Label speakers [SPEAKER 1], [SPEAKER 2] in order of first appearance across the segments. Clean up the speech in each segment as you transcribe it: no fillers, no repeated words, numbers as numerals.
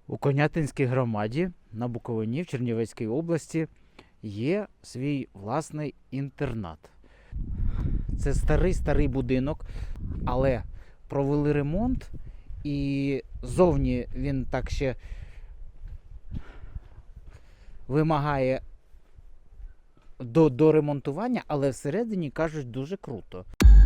[SPEAKER 1] У Конятинській громаді на Буковині в Чернівецькій області є свій власний інтернат. Це старий будинок, але провели ремонт і зовні він так ще вимагає до ремонтування, але всередині, кажуть, дуже круто.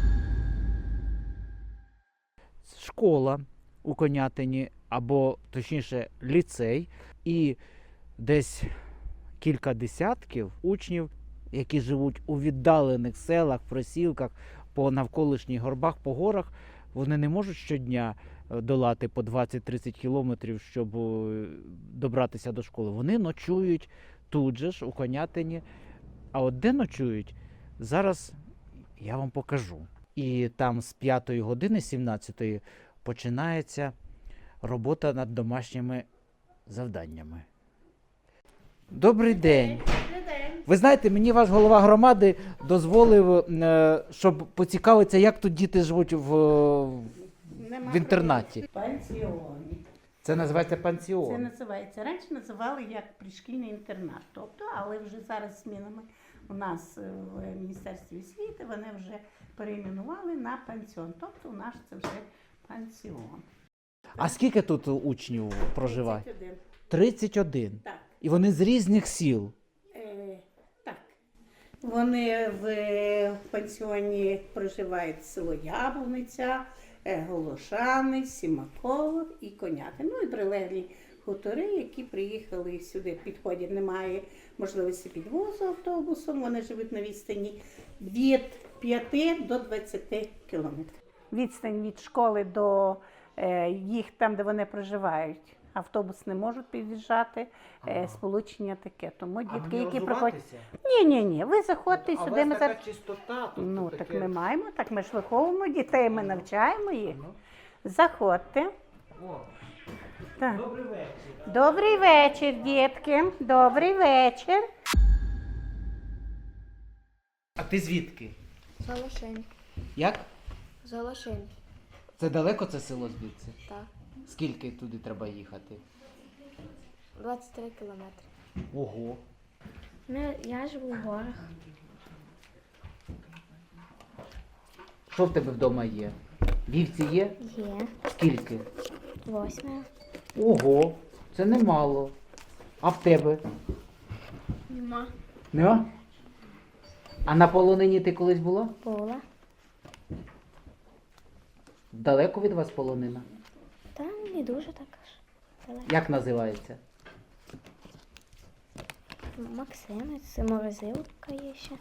[SPEAKER 1] Школа у Конятині, або точніше ліцей, і десь кілька десятків учнів, які живуть у віддалених селах, просілках, по навколишніх горбах, по горах, вони не можуть щодня долати по 20-30 кілометрів, щоб добратися до школи. Вони ночують тут же ж, у Конятині. А от де ночують, зараз я вам покажу. І там з 5-ї години, 17-ї, починається робота над домашніми завданнями. Добрий день! Ви знаєте, мені ваш голова громади дозволив, щоб поцікавитися, як тут діти живуть в інтернаті.
[SPEAKER 2] Пансіоні.
[SPEAKER 1] Це називається пансіон.
[SPEAKER 2] Це називається. Раніше називали як пришкільний інтернат. Тобто, але вже зараз змінами у нас в Міністерстві освіти вони вже перейменували на пансіон. Тобто у нас це вже пансіон.
[SPEAKER 1] А скільки тут учнів проживає?
[SPEAKER 2] 31.
[SPEAKER 1] 31.
[SPEAKER 2] Так.
[SPEAKER 1] І вони з різних сіл.
[SPEAKER 2] Так. Вони в пансіоні проживають село Яблуниця, Голошани, Сімаково і Конятин. Ну і прилеглі хутори, які приїхали сюди. Підходять, немає можливості підвозу автобусом. Вони живуть на відстані від 5 до 20 кілометрів. Відстань від школи до їх там, де вони проживають. Автобус не можуть під'їжджати, сполучення таке. Тому дітки, які приходять... Ні, ви заходьте сюди.
[SPEAKER 1] А у
[SPEAKER 2] ми
[SPEAKER 1] вас така чистота тут.
[SPEAKER 2] Ну,
[SPEAKER 1] таке...
[SPEAKER 2] так ми маємо, так ми ж виховуємо дітей, ми навчаємо їх. Заходьте.
[SPEAKER 1] О,
[SPEAKER 2] Так.
[SPEAKER 1] добрий вечір.
[SPEAKER 2] Добрий вечір, дітки. Добрий вечір.
[SPEAKER 1] А ти звідки?
[SPEAKER 3] Залошень.
[SPEAKER 1] Як?
[SPEAKER 3] Залошень.
[SPEAKER 1] Це далеко це село звідси?
[SPEAKER 3] Так.
[SPEAKER 1] Скільки туди треба їхати?
[SPEAKER 3] 23 кілометри.
[SPEAKER 1] Ого.
[SPEAKER 3] Я живу в горах.
[SPEAKER 1] Що в тебе вдома є? Вівці є?
[SPEAKER 3] Є.
[SPEAKER 1] Скільки?
[SPEAKER 3] 8.
[SPEAKER 1] Ого, це немало. А в тебе?
[SPEAKER 3] Нема.
[SPEAKER 1] Нема? А на полонині ти колись була?
[SPEAKER 3] Була.
[SPEAKER 1] Далеко від вас полонина?
[SPEAKER 3] Та не дуже так аж. Далеко.
[SPEAKER 1] Як називається?
[SPEAKER 3] Максимець, це морозилка є ще.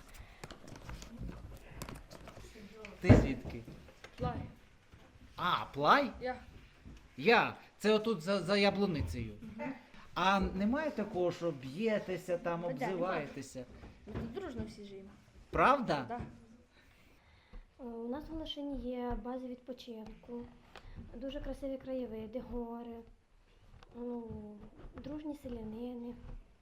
[SPEAKER 1] Ти звідки?
[SPEAKER 4] Плай.
[SPEAKER 1] А, Плай? Я. Це отут за яблуницею. А немає такого, що б'єтеся там, обзиваєтеся?
[SPEAKER 4] Ми тут дружно всі живемо.
[SPEAKER 1] Правда?
[SPEAKER 4] Так.
[SPEAKER 3] У нас в Голошині є бази відпочинку, дуже красиві краєвиди, гори, дружні селянини.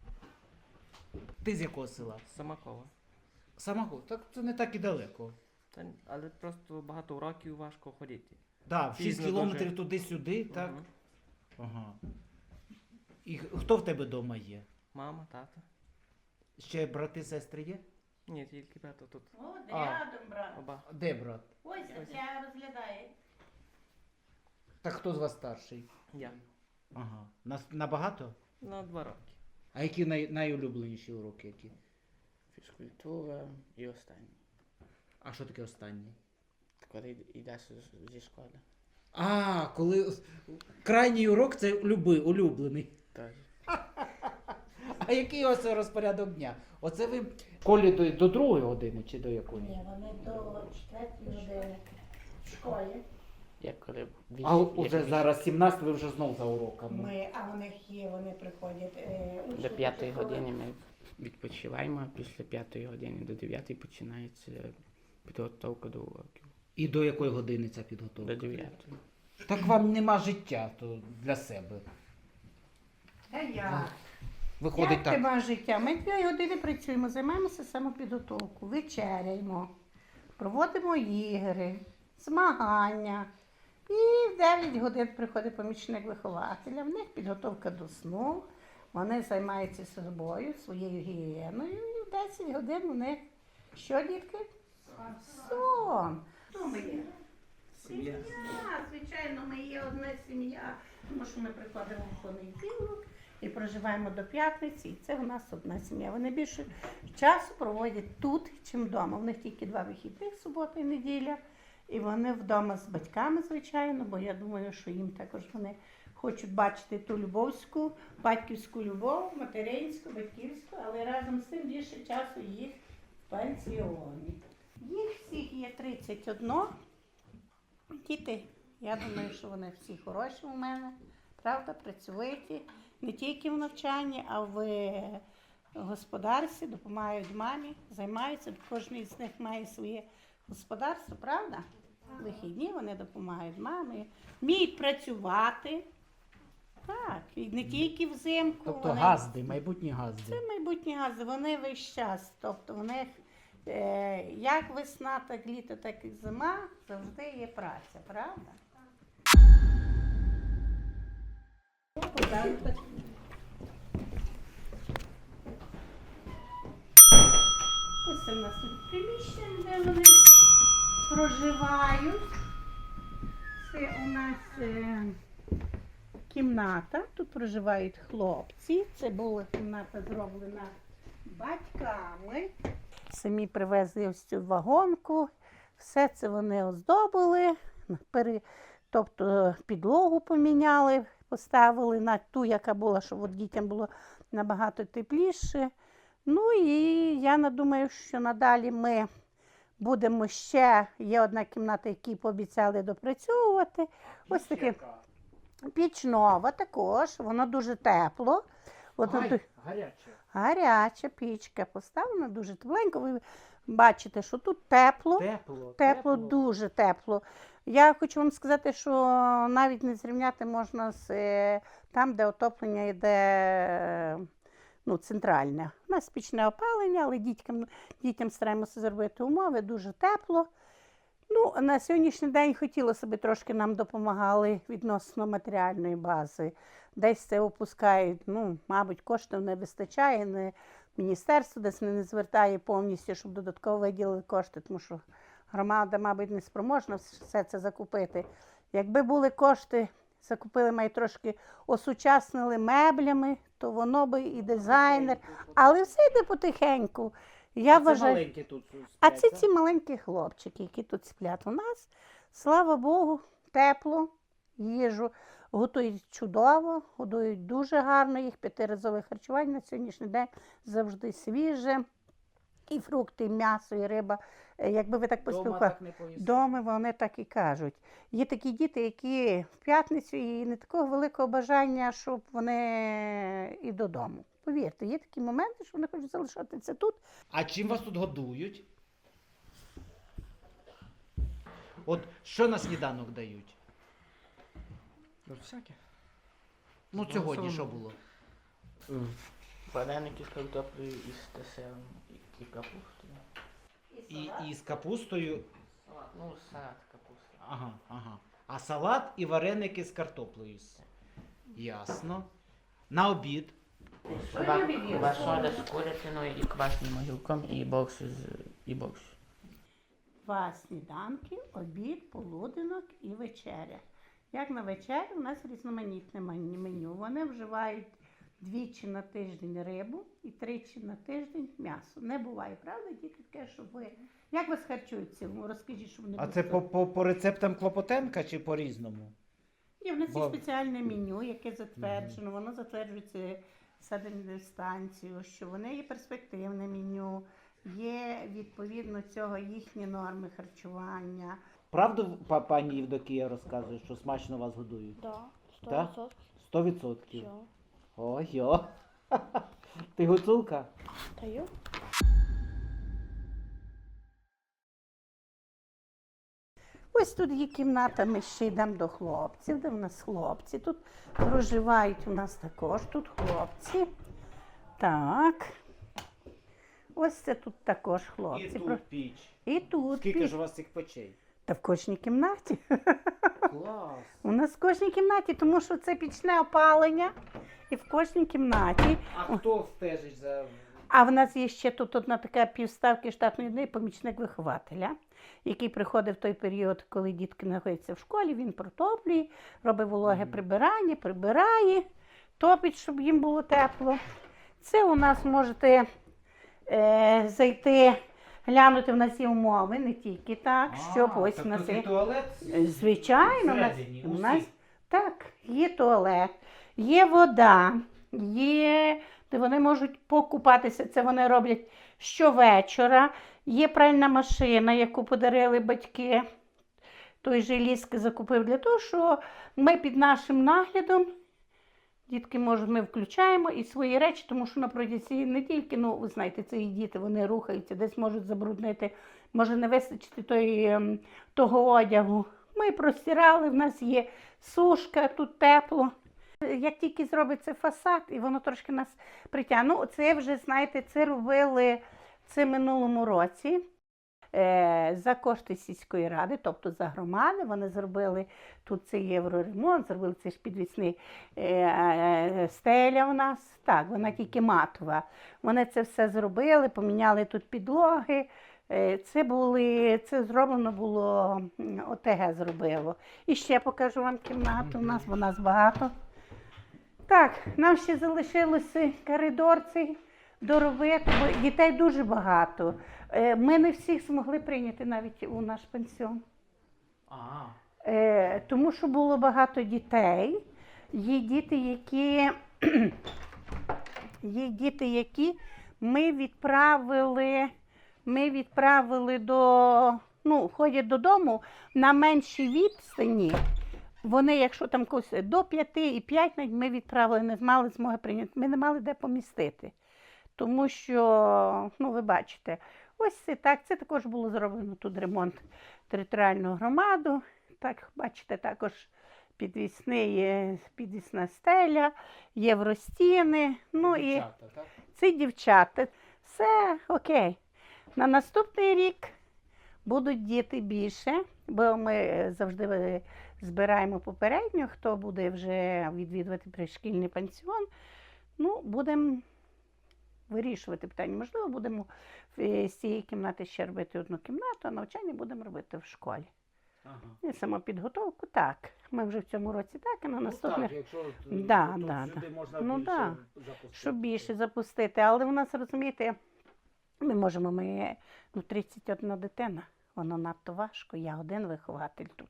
[SPEAKER 1] Ти з якого села?
[SPEAKER 5] Самакова.
[SPEAKER 1] Самого? Так це не так і далеко.
[SPEAKER 5] Але просто багато уроків важко ходити.
[SPEAKER 1] Так, 6
[SPEAKER 5] Пізно
[SPEAKER 1] кілометрів
[SPEAKER 5] дуже.
[SPEAKER 1] туди-сюди, так?
[SPEAKER 5] Мгм.
[SPEAKER 1] Ага. І хто в тебе вдома є?
[SPEAKER 5] Мама, тата.
[SPEAKER 1] Ще брати, сестри є?
[SPEAKER 5] Ні, тільки тато тут.
[SPEAKER 2] О,
[SPEAKER 1] А.
[SPEAKER 2] рядом, брат.
[SPEAKER 5] Оба.
[SPEAKER 1] Де брат?
[SPEAKER 2] Ось я розглядаю.
[SPEAKER 1] Так хто з вас старший?
[SPEAKER 5] Я.
[SPEAKER 1] Ага. Набагато?
[SPEAKER 5] На 2 роки.
[SPEAKER 1] А які найулюбленіші уроки які?
[SPEAKER 6] Фізкультура і останній.
[SPEAKER 1] А що таке останній?
[SPEAKER 6] Коли йдеш зі школи.
[SPEAKER 1] А, коли крайній урок це улюблений.
[SPEAKER 6] Теж.
[SPEAKER 1] А який ось розпорядок дня? Оце ви в школі до 2-ї години чи до якої?
[SPEAKER 2] Ні, вони до 4 години в школі.
[SPEAKER 6] Як коли
[SPEAKER 1] А уже зараз 17, ви вже знов за уроками.
[SPEAKER 2] А у них є, вони приходять.
[SPEAKER 6] до 5 години ми відпочиваємо, а після 5 години до 9 починається підготовка до уроків.
[SPEAKER 1] І до якої години ця підготовка?
[SPEAKER 6] До 9.
[SPEAKER 1] Так вам нема життя то для себе.
[SPEAKER 2] А я.
[SPEAKER 1] Виходить
[SPEAKER 2] Як
[SPEAKER 1] так.
[SPEAKER 2] тебе життя? Ми 2 години працюємо, займаємося самопідготовкою, вечеряємо, проводимо ігри, змагання. І в 9 годин приходить помічник вихователя, в них підготовка до сну, вони займаються собою, своєю гігієною, і в 10 годин у них що, дітки? Сон. Хто ми є? Сім'я. Звичайно, ми є одна сім'я, тому що ми приходимо в понеділок і проживаємо до п'ятниці, і це у нас одна сім'я. Вони більше часу проводять тут, чим вдома. У них тільки 2 вихідних, субота і неділя. І вони вдома з батьками, звичайно, бо я думаю, що їм також вони хочуть бачити ту любовську, батьківську любов, материнську, батьківську, але разом з тим більше часу їх в пансіоні. Їх всіх є 31. Діти, я думаю, що вони всі хороші у мене, правда, працьовиті, не тільки в навчанні, а в господарстві, допомагають мамі, займаються, кожен з них має своє господарство, правда? Вихідні вони допомагають мамі, вміють працювати. Так, і не тільки взимку.
[SPEAKER 1] Тобто
[SPEAKER 2] вони...
[SPEAKER 1] газди, майбутні газди.
[SPEAKER 2] Це майбутні гази, вони весь час. Тобто в них як весна, так літо, так і зима, завжди є праця, правда? Ось у нас тут приміщення, де вони проживають. Це у нас кімната, тут проживають хлопці. Це була кімната зроблена батьками. Самі привезли ось цю вагонку, все це вони оздобили, тобто підлогу поміняли, поставили на ту, яка була, щоб от дітям було набагато тепліше. Ну і я думаю, що надалі ми будемо ще, є одна кімната, яку пообіцяли допрацьовувати. Ось таке піч нова також, воно дуже тепло. От
[SPEAKER 1] Гаряче.
[SPEAKER 2] гаряча пічка поставлена, дуже тепленько. Ви бачите, що тут тепло. Тепло, дуже тепло. Я хочу вам сказати, що навіть не зрівняти можна з там, де отоплення йде центральне. У нас пічне опалення, але дітям стараємося зробити умови, дуже тепло. На сьогоднішній день хотілося б трошки нам допомагали відносно матеріальної бази. Десь це опускають, мабуть, коштів не вистачає, міністерство десь не звертає повністю, щоб додатково виділили кошти, тому що громада, мабуть, не спроможна все це закупити. Якби були кошти, закупили, май трошки осучаснили меблями, то воно би і дизайнер, але все йде потихеньку. Я вважаю...
[SPEAKER 1] маленькі тут сплять,
[SPEAKER 2] А це ці маленькі хлопчики, які тут сплять у нас. Слава Богу, тепло, їжу готують чудово, годують дуже гарно, їх 5-разове харчування на сьогоднішній день завжди свіже. І фрукти, і м'ясо, і риба. Якби ви так поспілкувалися, дома вони так і кажуть. Є такі діти, які в п'ятницю і не такого великого бажання, щоб вони і додому. Повірте, є такі моменти, що вони хочуть залишатися тут.
[SPEAKER 1] А чим вас тут годують? От що на сніданок дають?
[SPEAKER 5] Всяке.
[SPEAKER 1] Сьогодні що було?
[SPEAKER 6] Вареники з картоплею і з десертом і капустою.
[SPEAKER 1] І з капустою.
[SPEAKER 6] Салат капуста.
[SPEAKER 1] Ага. А салат і вареники з картоплею. Ясно. На обід.
[SPEAKER 6] Квасоля з курятиною і квасним огірком і борщ.
[SPEAKER 2] Два сніданки, обід, полуденок і вечеря. Як на вечерю у нас різноманітне меню. Вони вживають 2 на тиждень рибу і 3 на тиждень м'ясо. Не буває, правда, діти, таке, щоб ви... Як вас харчують в цілому? Розкажіть, щоб вони...
[SPEAKER 1] А це по рецептам Клопотенка чи по-різному?
[SPEAKER 2] Є в нас є спеціальне меню, яке затверджено. Воно затверджується санепідемстанцією, що вони є перспективне меню, є відповідно цього їхні норми харчування.
[SPEAKER 1] Правду пані Євдокія розказує, що смачно вас годують?
[SPEAKER 3] Да,
[SPEAKER 1] Так?
[SPEAKER 3] 100%.
[SPEAKER 1] 100%.
[SPEAKER 3] Все.
[SPEAKER 1] Ой-йо. Ти гуцулка?
[SPEAKER 3] Даю.
[SPEAKER 2] Ось тут є кімната, ми ще йдемо до хлопців, де в нас хлопці. Тут проживають у нас також тут хлопці. Так. Ось це тут також хлопці.
[SPEAKER 1] І тут піч.
[SPEAKER 2] І тут
[SPEAKER 1] Скільки
[SPEAKER 2] піч.
[SPEAKER 1] ж у вас цих печей?
[SPEAKER 2] Та в кожній кімнаті.
[SPEAKER 1] Клас.
[SPEAKER 2] У нас в кожній кімнаті, тому що це пічне опалення. І в кожній кімнаті.
[SPEAKER 1] А хто стежить за...
[SPEAKER 2] А в нас є ще тут одна така півставки штатної однієї помічник вихователя, який приходить в той період, коли дітки знаходяться в школі, він протоплює, робить вологе прибирання, прибирає, топить, щоб їм було тепло. Це у нас можете зайти, глянути, в нас є умови, не тільки так, щоб ось у нас є.
[SPEAKER 1] туалет?
[SPEAKER 2] Звичайно,
[SPEAKER 1] Всередині,
[SPEAKER 2] у нас
[SPEAKER 1] усі?
[SPEAKER 2] так, є туалет, є вода, є, де вони можуть покупатися, це вони роблять щовечора. Є пральна машина, яку подарили батьки. Той же Ліски закупив для того, що ми під нашим наглядом, дітки можуть, ми включаємо і свої речі, тому що на протязі не тільки, ну, ви знаєте, це і діти, вони рухаються, десь можуть забруднити, може не вистачити того одягу. Ми простирали, в нас є сушка, тут тепло. Як тільки зробиться фасад, і воно трошки нас притягне. Ну, це вже, знаєте, це робили це минулому році за кошти сільської ради, тобто за громади. Вони зробили тут цей євроремонт, зробили цей ж підвісний стеля у нас. Так, вона тільки матова. Вони це все зробили, поміняли тут підлоги. Це зроблено було, ОТГ зробило. І ще покажу вам кімнату, у нас багато. Так, нам ще залишилося коридор цей доробити, бо дітей дуже багато. Ми не всіх змогли прийняти навіть у наш пансіон. Тому що було багато дітей. Є діти, які ми відправили ходять додому на меншій відстані. Вони, якщо там когось до 5 і 5, навіть ми відправили, не мали змоги прийняти. Ми не мали де помістити. Тому що, ви бачите, ось це так. Це також було зроблено тут ремонт територіальну громаду. Так, бачите, також підвісна стеля, євростіни.
[SPEAKER 1] Дівчата, так?
[SPEAKER 2] Це дівчата. Все окей. На наступний рік будуть діти більше, бо ми завжди збираємо попередньо, хто буде вже відвідувати пришкільний пансіон. Будемо вирішувати питання. Можливо, будемо з цієї кімнати ще робити одну кімнату, а навчання будемо робити в школі. І самопідготовку, так. Ми вже в цьому році так, і на наступний...
[SPEAKER 1] Так, якщо
[SPEAKER 2] сюди можна
[SPEAKER 1] запустити.
[SPEAKER 2] щоб більше запустити. Але у нас, розумієте, ми можемо, 31 дитина, воно надто важко, я один вихователь тут.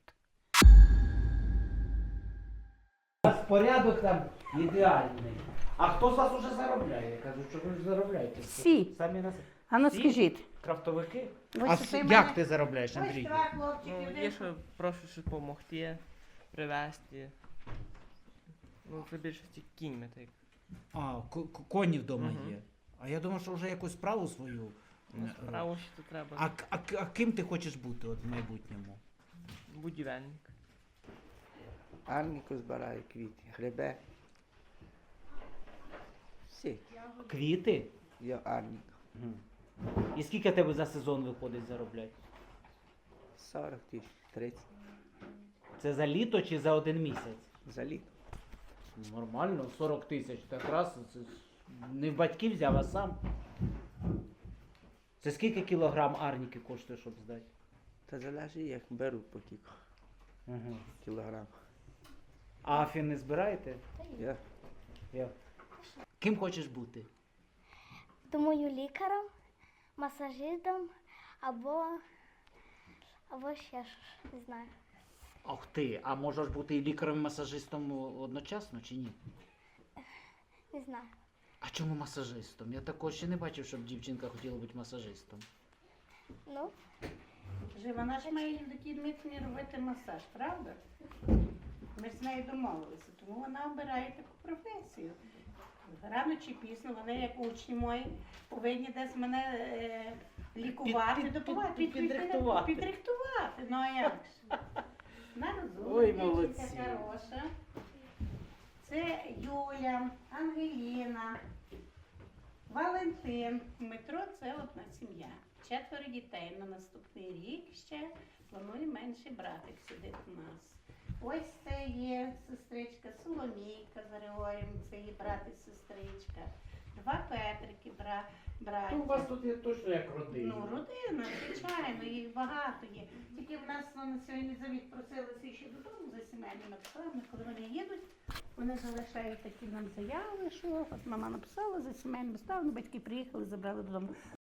[SPEAKER 1] У вас порядок там ідеальний. А хто з вас уже заробляє? Я кажу, що ви ж заробляєте.
[SPEAKER 2] Всі.
[SPEAKER 1] Самі нас...
[SPEAKER 2] А ну
[SPEAKER 1] Всі?
[SPEAKER 2] скажіть.
[SPEAKER 1] Крафтовики?
[SPEAKER 2] Ось
[SPEAKER 1] Як
[SPEAKER 2] мене-
[SPEAKER 1] ти заробляєш, Андрій?
[SPEAKER 5] Є, що прошу ще допомогти, привезти. Це більшості кіньми так.
[SPEAKER 1] Коні вдома
[SPEAKER 5] Мгм.
[SPEAKER 1] є. А я думав, що вже якусь справу свою.
[SPEAKER 5] Справу ще тут треба.
[SPEAKER 1] А ким ти хочеш бути в майбутньому?
[SPEAKER 5] Будівельник.
[SPEAKER 4] Арніку збирає квіти, грибе. Всі.
[SPEAKER 1] Квіти?
[SPEAKER 4] Я арнік.
[SPEAKER 1] І скільки тебе за сезон виходить заробляти?
[SPEAKER 4] 40 тисяч, 30
[SPEAKER 1] Це за літо чи за один місяць?
[SPEAKER 4] за літо.
[SPEAKER 1] Нормально, 40 тисяч. Так раз, це ж не в батьків взяв, а сам. Це скільки кілограм арніки коштує, щоб здати?
[SPEAKER 4] Та залежить, як беруть по кілька кілограм.
[SPEAKER 1] А афі не збираєте?
[SPEAKER 4] Я
[SPEAKER 1] Ким хочеш бути?
[SPEAKER 3] Думаю, лікарем, масажистом або ще щось, не знаю.
[SPEAKER 1] Ах ти, а можеш бути і лікарем, і масажистом одночасно чи ні?
[SPEAKER 3] Не знаю.
[SPEAKER 1] А чому масажистом? Я такого ще не бачив, щоб дівчинка хотіла бути масажистом.
[SPEAKER 3] Ну,
[SPEAKER 2] Вона ж має Євдокії Дмитрівні робити масаж, правда? Ми ж з нею домовилися, тому вона обирає таку професію. Рано чи пізно вони, як учні мої, повинні десь мене лікувати, допомагати,
[SPEAKER 1] підрихтувати.
[SPEAKER 2] підрихтувати. Ну а як ж?
[SPEAKER 1] Ой, молодці.
[SPEAKER 2] Дівчинка хороша. Це Юля, Ангеліна. Валентин. Дмитро це одна сім'я. 4 дітей. На наступний рік ще планує менший братик сидить у нас. Ось це є сестричка Соломійка з Григорієм, це її брат і сестричка. 2 Петрики, браті.
[SPEAKER 1] Ну, у вас тут є точно як родина.
[SPEAKER 2] Ну, родина, звичайно, їх багато є. Тільки в нас на сьогодні завіт просилися ще додому за сімейними обставинами. Коли вони їдуть, вони залишають такі нам заяви, що от мама написала за сімейними обставинами, батьки приїхали, забрали додому.